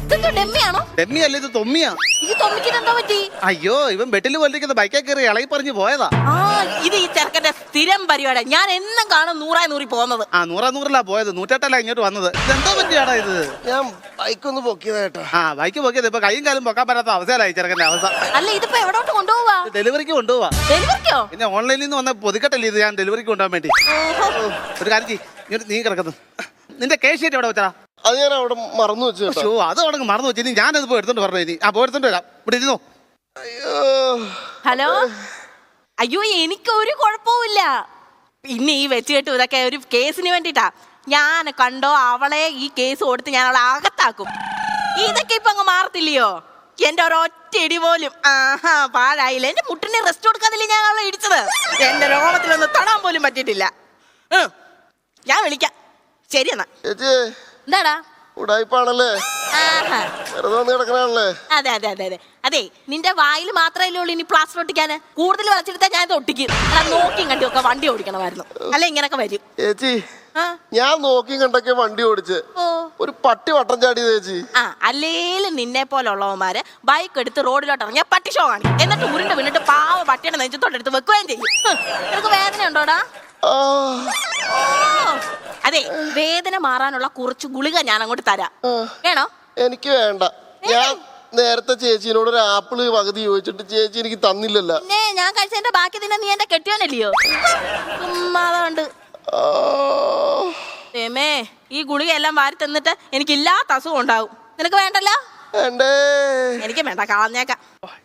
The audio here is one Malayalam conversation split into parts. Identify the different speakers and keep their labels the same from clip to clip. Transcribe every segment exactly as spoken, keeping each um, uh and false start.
Speaker 1: ഡെമ്മിയാണോ?
Speaker 2: ഡെമ്മിയല്ല, ഇത് തൊമ്മിയാ.
Speaker 1: ഇത് തൊമ്മിക്ക് എന്താ പറ്റി?
Speaker 2: അയ്യോ, ഇവൻ ബെട്ടിൽ കൊണ്ടിരിക്കുന്ന ബൈക്കേ കയറി ഇളകി പറഞ്ഞു പോയതാ.
Speaker 1: ആ, ഇത് ഈ ചെറുക്കന്റെ സ്ഥിരം പരിപാടി. ഞാൻ എന്നും കാണും നൂറായി നൂറി പോകുന്നത്.
Speaker 2: ആ, നൂറാ നൂറിലാ പോയത്, നൂറ്റെട്ടല്ല ഇങ്ങോട്ട് വന്നത്. ഇതെന്താ പറ്റിയാടാ ഇത്?
Speaker 3: ഞാൻ ബൈക്ക് ഒന്ന് പൊക്കിയതാ കേട്ടോ.
Speaker 2: ആ, ബൈക്ക് പൊക്കിയത് ഇപ്പൊ കൈയും കാലും പൊക്കാൻ പറ്റാത്ത അവസ്ഥയിലായി ചെറുക്കന്റെ അവസ്ഥ.
Speaker 1: അല്ല, ഇതിപ്പോ എവിടോട്ട് കൊണ്ടുപോവാ?
Speaker 2: ഡെലിവറിക്ക് കൊണ്ടുപോവാ.
Speaker 1: ഡെലിവറിക്കോ?
Speaker 2: പിന്നെ ഓൺലൈനിൽ നിന്ന് വന്ന പൊതുക്കട്ടല്ലേ ഇത്, ഞാൻ ഡെലിവറിക്ക് കൊണ്ടുപോകാൻ വേണ്ടി. ഒരു കാര്യം ചെയ്യ്, ഇങ്ങോട്ട് നീ കിടക്കുന്നു. നിന്റെ കേസ് ഷീറ്റ് എവിടെ വെച്ചാ?
Speaker 3: അത് ഞാൻ അവിടെ മറന്നു വെച്ചു കേട്ടോ.
Speaker 2: ഷോ, അത് അവിടെ മറന്നു വെച്ചു. ഇനി ഞാനത് പോയി എടുത്തോണ്ട് പറഞ്ഞു. ഇനി ആ പോയി എടുത്തോണ്ട് വരാം. ഇവിടെ ഇരുന്നോ.
Speaker 3: അയ്യോ.
Speaker 1: ഹലോ. അയ്യോ, എനിക്ക് ഒരു കുഴപ്പമില്ല. പിന്നെ ഈ വെച്ച് കെട്ടു ഇതൊക്കെ ഒരു കേസിന് വേണ്ടിട്ടാ. ഞാൻ കണ്ടോ അവളെ ഈ കേസ് കൊടുത്ത് ഞാൻ അവളെ അകത്താക്കും. ഇതൊക്കെ ഇപ്പൊ അങ്ങ് മാറത്തില്ലയോ? എന്റെ ഒരൊറ്റ ഇടി പോലും ആഹാ പാഴായില്ല. എന്റെ മുട്ടിന് റെസ്റ്റ് കൊടുക്കാതില്ലേ ഞാൻ അവളെ ഇടിച്ചത്. എന്റെ രോമത്തിലൊന്ന് തൊടാൻ പോലും പറ്റിയിട്ടില്ല. ഞാൻ വിളിക്കാം. ശരി എന്നാ.
Speaker 3: ചേച്ചി
Speaker 1: എന്താടാ?
Speaker 3: ഉടായിപ്പാണല്ലേ,
Speaker 1: ആഹാ,
Speaker 3: വെറുതെ വന്ന് കിടക്കണല്ലേ?
Speaker 1: അതെ അതെ അതെ അതെ അതെ. നിന്റെ വായിൽ മാത്രമല്ലേ ഉള്ളൂ ഇനി പ്ലാസ്റ്റർ ഒട്ടിക്കാന്. കൂടുതൽ വളച്ചെടുത്താൽ ഞാൻ ഇത് ഒട്ടിക്കും. അല്ല, നോക്കിയും കണ്ടിയൊക്കെ വണ്ടി ഓടിക്കണമായിരുന്നു. അല്ല, ഇങ്ങനൊക്കെ വരും.
Speaker 3: ചേച്ചി, ഞാൻ നോക്കിയും കണ്ടൊക്കെ വണ്ടി ഓടിച്ച് ഒരു പട്ടി വട്ടം ചാടി ചേച്ചി.
Speaker 1: ആ, അല്ലേലും നിന്നെ പോലുള്ളവന്മാര് ബൈക്ക് എടുത്ത് റോഡിലോട്ട് ഇറങ്ങിയ പട്ടി ഷോ കാണിക്കും. എന്നിട്ട് ഉരുണ്ട് വീണിട്ട് പാവ പട്ടിയുടെ നെഞ്ചത്തോട്ടെടുത്ത് വെക്കുകയും ചെയ്യും. നിനക്ക് വേദന ഉണ്ടോടാ? അതെ, വേദന മാറാനുള്ള കുറച്ച് ഗുളിക ഞാൻ അങ്ങോട്ട് തരാം. വേണോ?
Speaker 3: എനിക്ക് വേണ്ട. ഞാൻ നേരത്തെ ചേച്ചിനോട് ഒരു ആപ്പിള് പകുതി ചോദിച്ചിട്ട് ചേച്ചി എനിക്ക് തന്നില്ലല്ലോ.
Speaker 1: പിന്നെ ഞാൻ കഴിച്ചതിന്റെ ബാക്കി തന്നെ നീ എന്റെ കെട്ടിയോനല്ലയോ? അതുകൊണ്ട് ഏമേ, ഈ ഗുളിക എല്ലാം വാരി തന്നിട്ട് എനിക്ക് ഇല്ലാത്ത അസുഖം ഉണ്ടാവും. നിനക്ക് വേണ്ടല്ലോ? എനിക്ക് വേണ്ട, കളഞ്ഞേക്കാം.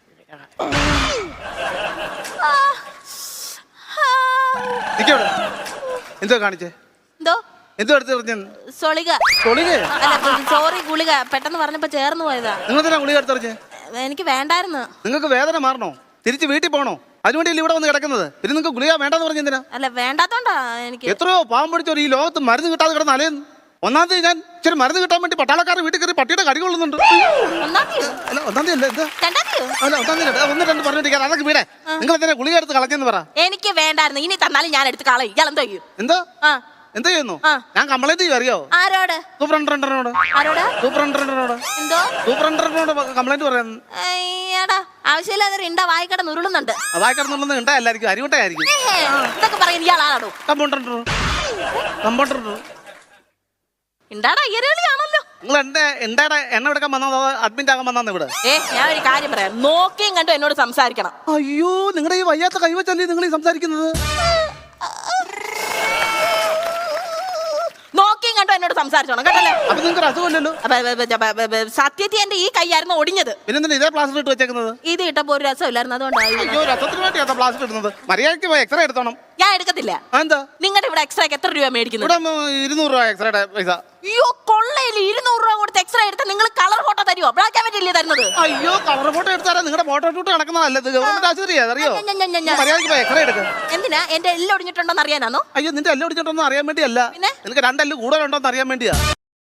Speaker 2: എന്തോ കാണിച്ചേ?
Speaker 1: എന്തോ
Speaker 2: എന്തോ എടുത്ത്
Speaker 1: സൊളിക. അല്ല, സോറി, ഗുളിക പെട്ടെന്ന് പറഞ്ഞപ്പോ ചേർന്ന് പോയതാ.
Speaker 2: നിങ്ങൾ തന്നെ ഗുളിക എടുത്തെറിഞ്ഞേ?
Speaker 1: എനിക്ക് വേണ്ടായിരുന്നു.
Speaker 2: നിങ്ങൾക്ക് വേദന മാറണോ? തിരിച്ച് വീട്ടിൽ പോകണോ? അതിനുവേണ്ടി ഇവിടെ വന്ന് കിടക്കുന്നത്. പിന്നെ നിങ്ങൾക്ക് ഗുളിക വേണ്ടെന്ന് പറഞ്ഞെന്തിനാ?
Speaker 1: അല്ല, വേണ്ടാത്തോണ്ടാ. എനിക്ക്
Speaker 2: എത്രയോ പാവം പിടിച്ചോ ഈ ലോകത്ത് മരുന്ന് കിട്ടാതെ കിടന്ന് അലയുന്നു. ഒന്നാം തീയതി ഞാൻ ഇച്ചിരി മരുന്ന് കിട്ടാൻ വേണ്ടി പട്ടാളക്കാരെ വീട്ടിൽ കയറി പട്ടിയുടെ കടി കൊള്ളുന്നുണ്ട്.
Speaker 1: ഒന്നാം തീയതി
Speaker 2: അല്ല, ഒന്നാം തീയതി അല്ല, എന്താ അല്ല ഒന്നാം തീയതി ഒന്ന് രണ്ട് പറഞ്ഞിട്ട് അതൊക്കെ വീടേ. നിങ്ങൾ എന്തിനാ ഗുളിക എടുത്ത് കളഞ്ഞെന്ന് പറ.
Speaker 1: എനിക്ക് വേണ്ടായിരുന്നു. ഇനി തന്നാലും ഞാൻ എടുത്ത് കളയും. ഇയാൾ എന്തോ ചെയ്യും?
Speaker 2: എന്തോ എന്താ ചെയ്യുന്നു? ഞാൻ കംപ്ലൈന്റ് ചെയ്യും. അറിയോ?
Speaker 1: ആരോട്?
Speaker 2: സൂപ്രണ്ടറിനോട്.
Speaker 1: ആരോട്?
Speaker 2: സൂപ്രണ്ടറിനോട്.
Speaker 1: എന്തോ?
Speaker 2: സൂപ്രണ്ടറിനോട് കംപ്ലൈന്റ് പറയാൻ.
Speaker 1: അയ്യടാ, ആവശ്യമില്ലാതെ ഇണ്ട വായിക്കട നുരുളുന്നുണ്ട്.
Speaker 2: വായിക്കടന്നുള്ളത് ഉണ്ടായിരിക്കും, അരിവട്ടായിരിക്കും.
Speaker 1: ഇതൊക്കെ പറയുന്നത് ഇയാളാണോ?
Speaker 2: കമ്പൗണ്ടർ. കമ്പൗണ്ടർ
Speaker 1: എന്താടാ അയ്യരളിയാണല്ലോ.
Speaker 2: നിങ്ങൾ എന്റെ എന്താടാ എണ്ണ എടുക്കാൻ വന്നോ അഡ്മിറ്റ് ആകാൻ വന്നാന്ന് ഇവിടെ?
Speaker 1: ഏ, ഞാൻ ഒരു കാര്യം പറയാം. നോക്കിയും കണ്ടു എന്നോട് സംസാരിക്കണം.
Speaker 2: അയ്യോ, നിങ്ങളുടെ ഈ വയ്യാത്ത കൈവച്ചല്ലേ നിങ്ങൾ ഈ സംസാരിക്കുന്നത്?
Speaker 1: നോക്കിയും കണ്ടു എന്നോട് സംസാരിച്ചോണം കേട്ടല്ലോ.
Speaker 2: അപ്പൊ നിങ്ങൾക്ക് അസുഖമില്ലല്ലോ.
Speaker 1: സത്യത്തിൽ എന്റെ ഈ കൈയായിരുന്നു ഒടിഞ്ഞത്.
Speaker 2: പിന്നെ ഇതേ പ്ലാസ്റ്റർ ഇട്ട് വെച്ചേക്കുന്നത്?
Speaker 1: ഇത് ഇട്ടപ്പോ ഒരു രസമില്ലായിരുന്നു, അതുകൊണ്ടാണ്.
Speaker 2: അയ്യോ, രസത്തിന് വേണ്ടിയാ പ്ലാസ്റ്റർ ഇടുന്നത്. മര്യാദയ്ക്ക് പോയി എക്സ്റേ എടുത്തോണം.
Speaker 1: ഞാൻ എടുക്കത്തില്ല.
Speaker 2: എന്താ?
Speaker 1: നിങ്ങളുടെ ഇവിടെ എക്സ്റേ എത്ര രൂപ മേടിക്കുന്നത്?
Speaker 2: ഇവിടെ ഇരുന്നൂറ് രൂപ എക്സ്റേയുടെ പൈസ.
Speaker 1: അയ്യോ, കൊള്ളയില് ഇരുന്നൂറ് രൂപ കൊടുത്ത് എക്സ്റേ എടുത്താൽ നിങ്ങൾ കളർ ഫോട്ടോ തരുമോ? ബ്ലാക്ക് ആൻഡ് വൈറ്റ് അല്ലേ തരുന്നത്?
Speaker 2: അയ്യോ, കളർ ഫോട്ടോ എടുത്താൽ നിങ്ങളുടെ ഫോട്ടോ ഷൂട്ട് നടക്കുന്നതല്ല. ഗവൺമെന്റ് ആശുപത്രി അറിയോ? മര്യാദയ്ക്ക് പോയി എക്സ്റേ എടുക്കുക.
Speaker 1: എന്തിനാ? എന്റെ എല്ലാം ഒടിഞ്ഞിട്ടുണ്ടോന്ന് അറിയാനാണോ?
Speaker 2: അയ്യോ, നിന്റെ എല്ലാം ഒടിഞ്ഞിട്ടുണ്ടോ അറിയാൻ വേണ്ടിയല്ല. നിനക്ക് രണ്ടെല്ലാം കൂടുതലുണ്ടോന്ന് അറിയാൻ വേണ്ടിയാ.